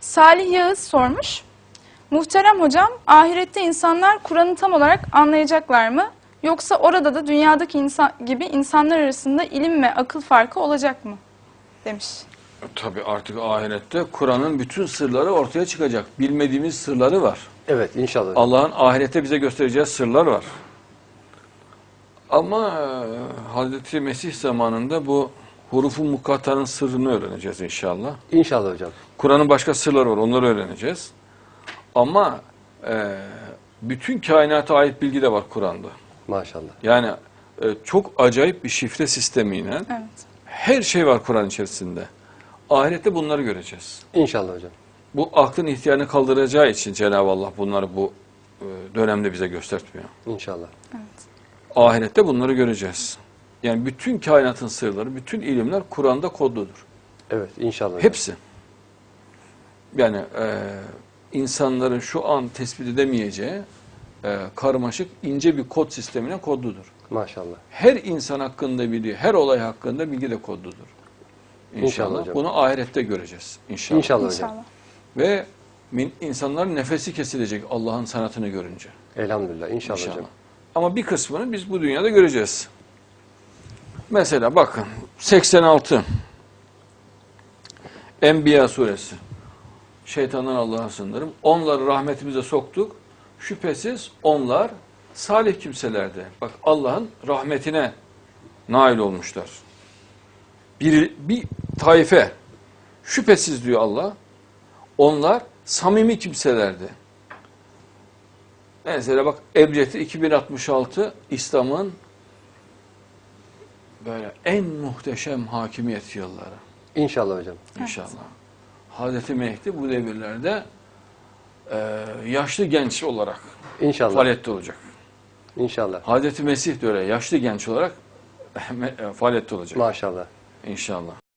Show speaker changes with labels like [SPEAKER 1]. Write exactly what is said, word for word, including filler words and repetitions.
[SPEAKER 1] Salih Yağız sormuş. Muhterem hocam, ahirette insanlar Kur'an'ı tam olarak anlayacaklar mı? Yoksa orada da dünyadaki insan gibi insanlar arasında ilim ve akıl farkı olacak mı? Demiş.
[SPEAKER 2] Tabii artık ahirette Kur'an'ın bütün sırları ortaya çıkacak. Bilmediğimiz sırları var.
[SPEAKER 3] Evet, inşallah.
[SPEAKER 2] Allah'ın ahirette bize göstereceği sırlar var. Ama Hazreti Mesih zamanında bu hurufu mukattanın sırrını öğreneceğiz inşallah.
[SPEAKER 3] İnşallah hocam.
[SPEAKER 2] Kur'an'ın başka sırları var, onları öğreneceğiz. Ama e, bütün kainata ait bilgi de var Kur'an'da.
[SPEAKER 3] Maşallah.
[SPEAKER 2] Yani e, çok acayip bir şifre sistemiyle
[SPEAKER 1] Evet.
[SPEAKER 2] her şey var Kur'an içerisinde. Ahirette bunları göreceğiz.
[SPEAKER 3] İnşallah hocam.
[SPEAKER 2] Bu aklın ihtiyarını kaldıracağı için Cenab-ı Allah bunları bu e, dönemde bize göstertmiyor.
[SPEAKER 3] İnşallah.
[SPEAKER 1] Evet.
[SPEAKER 2] Ahirette bunları göreceğiz. Yani bütün kainatın sırları, bütün ilimler Kur'an'da kodludur.
[SPEAKER 3] Evet, inşallah hocam.
[SPEAKER 2] Hepsi. Yani e, insanların şu an tespit edemeyeceği e, karmaşık, ince bir kod sistemine kodludur.
[SPEAKER 3] Maşallah.
[SPEAKER 2] Her insan hakkında bilgi, her olay hakkında bilgi de kodludur. İnşallah.
[SPEAKER 3] İnşallah hocam.
[SPEAKER 2] Bunu ahirette göreceğiz. İnşallah.
[SPEAKER 3] İnşallah hocam.
[SPEAKER 1] İnşallah.
[SPEAKER 2] Ve min, insanların nefesi kesilecek Allah'ın sanatını görünce.
[SPEAKER 3] Elhamdülillah. İnşallah,
[SPEAKER 2] İnşallah.
[SPEAKER 3] hocam.
[SPEAKER 2] Ama bir kısmını biz bu dünyada göreceğiz. Mesela bakın seksen altı Enbiya suresi. Şeytandan Allah'a sığınırım. Onları rahmetimize soktuk. Şüphesiz onlar salih kimselerdi. Bak Allah'ın rahmetine nail olmuşlar. Bir, bir taife. Şüphesiz diyor Allah. Onlar samimi kimselerdi. Mesela bak Ebced'i iki bin altmış altı İslam'ın böyle en muhteşem hakimiyet yılları.
[SPEAKER 3] İnşallah hocam.
[SPEAKER 2] İnşallah. Evet. Hazreti Mehdi bu devirlerde e, yaşlı genç olarak
[SPEAKER 3] İnşallah.
[SPEAKER 2] faaliyette olacak.
[SPEAKER 3] İnşallah.
[SPEAKER 2] Hazreti Mesih de öyle yaşlı genç olarak faaliyette olacak.
[SPEAKER 3] Maşallah.
[SPEAKER 2] İnşallah.